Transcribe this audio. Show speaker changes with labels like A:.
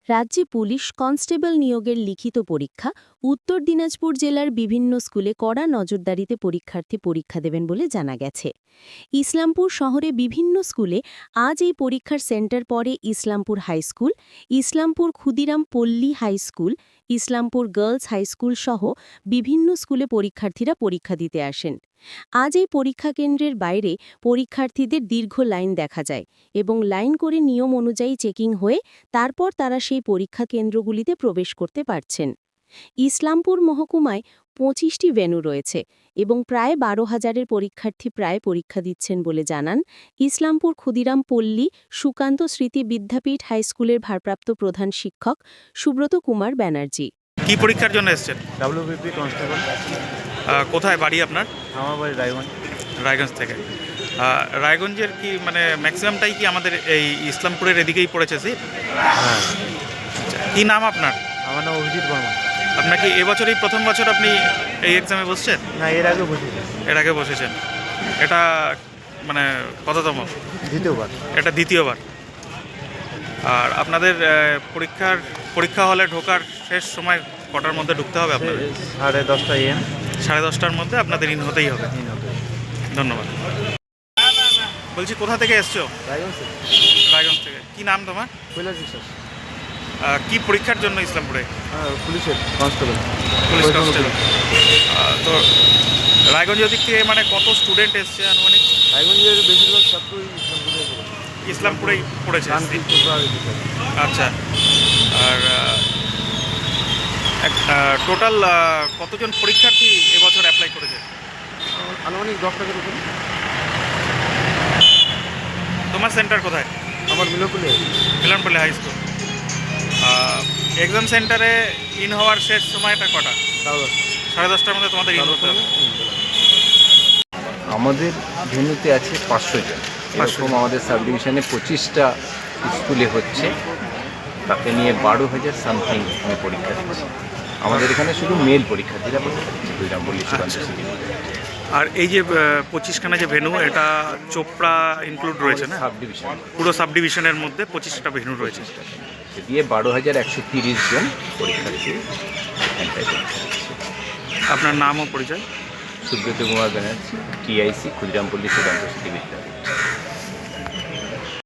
A: রাজ্যে police constable নিয়োগের লিখিত পরীক্ষা উত্তর দিনাজপুর জেলার বিভিন্ন স্কুলে কড়া নজরদারিতে পরীক্ষার্থী পরীক্ষা দেবেন বলে জানা গেছে। ইসলামপুর শহরে বিভিন্ন স্কুলে আজ এই পরীক্ষার সেন্টার পড়ে ইসলামপুর হাইস্কুল, ইসলামপুর ক্ষুদিরাম পল্লী হাইস্কুল, ইসলামপুর গার্লস হাইস্কুল সহ বিভিন্ন স্কুলে পরীক্ষার্থীরা পরীক্ষা দিতে আসেন। আজ এই পরীক্ষা কেন্দ্রের বাইরে পরীক্ষার্থীদের দীর্ঘ লাইন দেখা যায় এবং লাইন করে নিয়ম অনুযায়ী চেকিং হয়ে তারপর তারা সেই পরীক্ষা কেন্দ্রগুলিতে প্রবেশ করতে পারছেন। ইসলামপুর মহকুমায় ২৫টি ভেন্যু রয়েছে এবং প্রায় ১২,০০০-এর পরীক্ষার্থী প্রায় পরীক্ষা দিচ্ছেন বলে জানান ইসলামপুর ক্ষুদিরাম পল্লী সুকান্ত স্মৃতি বিদ্যাপীঠ হাইস্কুলের ভারপ্রাপ্ত প্রধান শিক্ষক সুব্রত কুমার ব্যানার্জি।
B: কি পরীক্ষার জন্য এসেছেন?
C: WBP constable.
B: কোথায় বাড়ি আপনার?
C: আমার বাড়ি রায়গঞ্জ।
B: রায়গঞ্জ থেকে। রায়গঞ্জের কি মানে ম্যাক্সিমামটাই কি আমাদের এই ইসলামপুরের এদিকেই পড়েছে?
C: হ্যাঁ।
B: কি নাম আপনার?
C: আমার নাম অভিজিৎ বর্মা।
B: আপনার কি এবছরই প্রথম বছর আপনি এই এক্সামে বসছেন?
C: না, এর আগে বসেছি।
B: এর আগে বসেছেন। এটা মানে কততম?
C: দ্বিতীয়বার।
B: এটা দ্বিতীয়বার। আর আপনাদের পরীক্ষা হলে ঢোকার শেষ সময় কটার মধ্যে ঢুকতে হবে আপনাদের?
C: 10:30 AM।
B: 10:30টার মধ্যে আপনাদের ইন হতেই হবে। ধন্যবাদ। বলছি কোথা থেকে এসছো?
C: রায়গঞ্জ।
B: রায়গঞ্জ থেকে। কি নাম তোমার?
C: কৈলাস বিশ্বাস।
B: কি পরীক্ষার জন্য ইসলামপুরে?
C: পুলিশের কনস্টেবল।
B: Police constable. তো রায়গঞ্জের দিক থেকে মানে কত স্টুডেন্ট এসছে আনুমানিক?
C: রায়গঞ্জের বেশিরভাগ ছাত্রই
B: ইসলামপুরেই পড়েছে। আচ্ছা। আর টোটাল কতজন পরীক্ষার্থী এবছর অ্যাপ্লাই করেছে?
C: আনুমানিক 10 টাকার উপরে।
B: তোমার সেন্টার কোথায়?
C: আমার
B: মিলনপল্লী হাই স্কুল। এক্সাম সেন্টারে ইন হওয়ার শেষ সময়টা কটা? 10:30টার মধ্যে তোমাদের ইন হতে হবে।
D: আমাদের ভেন্যুতে আছে 500 জন। এরকম আমাদের সাব ডিভিশনে 25টা স্কুলে হচ্ছে, তাকে নিয়ে 12,000 সামথিং আমি পরীক্ষা দিচ্ছি। আমাদের এখানে শুধু মেল পরীক্ষার্থীরা পরীক্ষা দিচ্ছে ক্ষুদিরাম পল্লী সুকান্ত স্মৃতি।
B: আর এই যে 25খানা যে ভেন্যু, এটা চোপড়া ইনক্লুড রয়েছে না?
D: সাব ডিভিশন,
B: পুরো সাব ডিভিশনের মধ্যে 25টা ভেন্যু রয়েছে।
D: সে দিয়ে 12,130 জন পরীক্ষার্থী এখানটায় পরীক্ষা দিচ্ছে।
B: আপনার নাম ও পরিচয়?
D: সুব্রত কুমার ব্যানার্জি, TIC ক্ষুদিরাম পল্লী সুকান্ত স্মৃতি বিদ্যাপীঠ।